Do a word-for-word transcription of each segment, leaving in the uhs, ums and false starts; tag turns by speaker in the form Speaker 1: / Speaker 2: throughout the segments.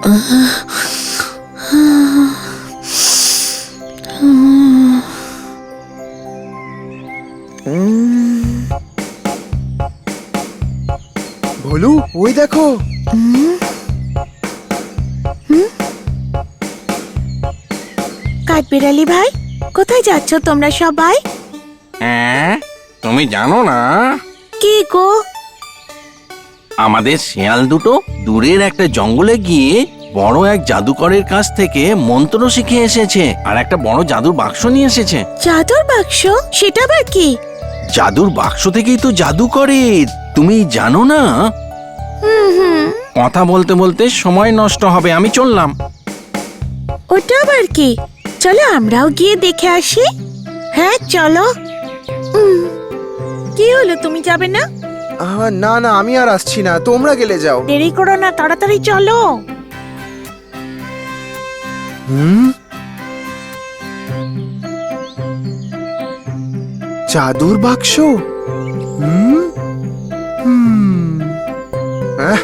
Speaker 1: ভোলু, ওই দেখো।
Speaker 2: কাঠবিড়ালি ভাই, কোথায় যাচ্ছ তোমরা সবাই?
Speaker 3: হ্যাঁ, তুমি জানো না
Speaker 2: কি গো?
Speaker 3: আমাদের শেয়াল দুটো দূরের একটা জঙ্গলে গিয়ে বড় এক জাদুকরের কাছ থেকে মন্ত্র শিখে এসেছে আর একটা বড় জাদুর বাক্স নিয়ে এসেছে।
Speaker 2: জাদুর বাক্স? সেটা আবার কি?
Speaker 3: জাদুর বাক্স থেকেই তো জাদু করে, তুমি জানো না?
Speaker 2: হুম হুম
Speaker 3: কথা বলতে বলতে সময় নষ্ট হবে, আমি চললাম।
Speaker 2: ওটা আবার কি? চলো আমরাও গিয়ে দেখে আসি। হ্যাঁ চলো। উম, কি হলো, তুমি যাবে না?
Speaker 1: আহ, না না, আমি আর আসছি না, তোমরা গেলে যাও।
Speaker 2: দেরি করো না, তাড়াতাড়ি চলো।
Speaker 1: হুম, জাদুর বাক্স। হুম হুম আহ,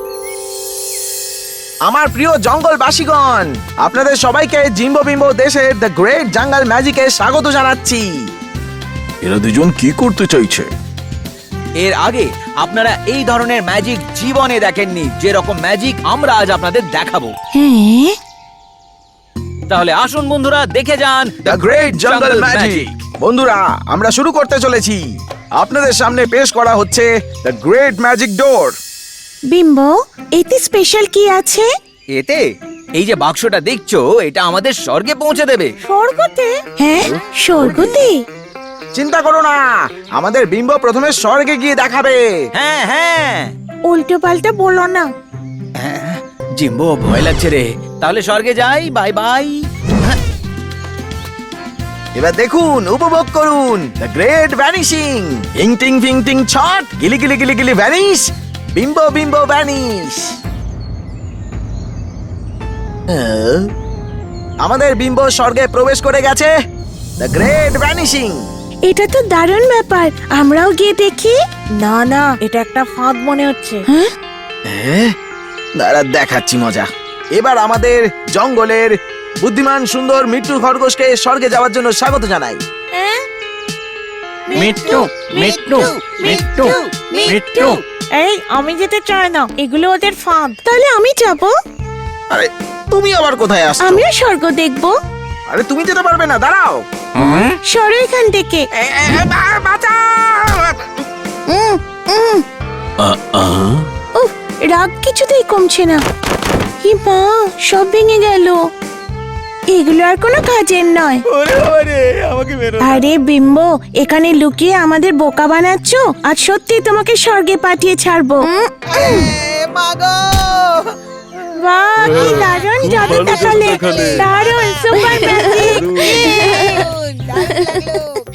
Speaker 4: আমার প্রিয় জঙ্গলবাসীগণ, আপনাদের সবাইকে জিম্বো বিম্বো দেশের দ্য গ্রেট জঙ্গল ম্যাজিকে স্বাগত জানাচ্ছি।
Speaker 5: এরা দুজন কি করতে চাইছে?
Speaker 6: এর আগে আপনারা এই ধরনের ম্যাজিক জীবনে দেখেননি, যেরকম ম্যাজিক আমরা আজ আপনাদের দেখাবো।
Speaker 2: হ্যাঁ,
Speaker 6: তাহলে আসুন বন্ধুরা, দেখে যান
Speaker 4: দ্য গ্রেট জঙ্গল ম্যাজিক। বন্ধুরা, আমরা শুরু করতে চলেছি। আপনাদের সামনে পেশ করা হচ্ছে the great magic door.
Speaker 2: Bimbo, এতে স্পেশাল কি আছে?
Speaker 6: এতে এই যে বাক্সটা দেখছো, এটা আমাদের স্বর্গে পৌঁছে দেবে।
Speaker 2: স্বর্গতে? হ্যাঁ, স্বর্গতে।
Speaker 4: চিন্তা করো না, আমাদের বিম্বো প্রথমে স্বর্গে গিয়ে দেখাবে।
Speaker 6: হ্যাঁ হ্যাঁ
Speaker 2: উল্টো পাল্টা বলো না।
Speaker 6: হ্যাঁ, জিম্বো ভয় লাগছে রে। তাহলে স্বর্গে যাই, বাই বাই।
Speaker 4: এবার দেখুন, উপভোগ করুন দ্য গ্রেট ভ্যানিশিং। ইং টিং ফিং টিং ছট, গিলি গিলি গিলি গিলি ভ্যানিশ, বিম্বো বিম্বো ভ্যানিশ। আমাদের বিম্বো স্বর্গে প্রবেশ করে গেছে। The great vanishing.
Speaker 2: এটা তো দারুণ ব্যাপার, আমরাও গিয়ে দেখি। না না, এটা একটা ফাঁদ মনে হচ্ছে। হ্যাঁ,
Speaker 4: দাঁড়া, দেখাচ্ছি মজা। এবার আমাদের জঙ্গলের বুদ্ধিমান সুন্দর মৃত্যু খরগোশকে স্বর্গে যাওয়ার জন্য স্বাগত জানাই।
Speaker 2: হ্যাঁ?
Speaker 3: মিট্টু মিট্টু মিট্টু মিট্টু।
Speaker 2: এই, আমি যেতে চাই না, এগুলো ওদের ফাঁদ। তাহলে আমি যাব।
Speaker 4: আরে তুমি আবার কোথায় আসছো?
Speaker 2: আমিও স্বর্গ দেখবো।
Speaker 4: আরে তুমি যেতে পারবে না, দাঁড়াও।
Speaker 3: হ্যাঁ?
Speaker 2: সরো এখান থেকে।
Speaker 4: এ, এ, এ, বা- বাঁচাও!
Speaker 2: উম, উম।
Speaker 3: আ- আ?
Speaker 2: উফ, রাগ কিছুতেই কমছে না। হি মা, সব ভেঙে গেল। এগুলো আর কোনো কাজের নয়। আরে বিম্বো, এখানে লুকিয়ে আমাদের বোকা বানাচ্ছ? আজ সত্যি তোমাকে স্বর্গে পাঠিয়ে ছাড়বো। উম, উম। বাহ, কি দারুণ জাদু দেখালে। দারুণ, সুপার ম্যাজিক।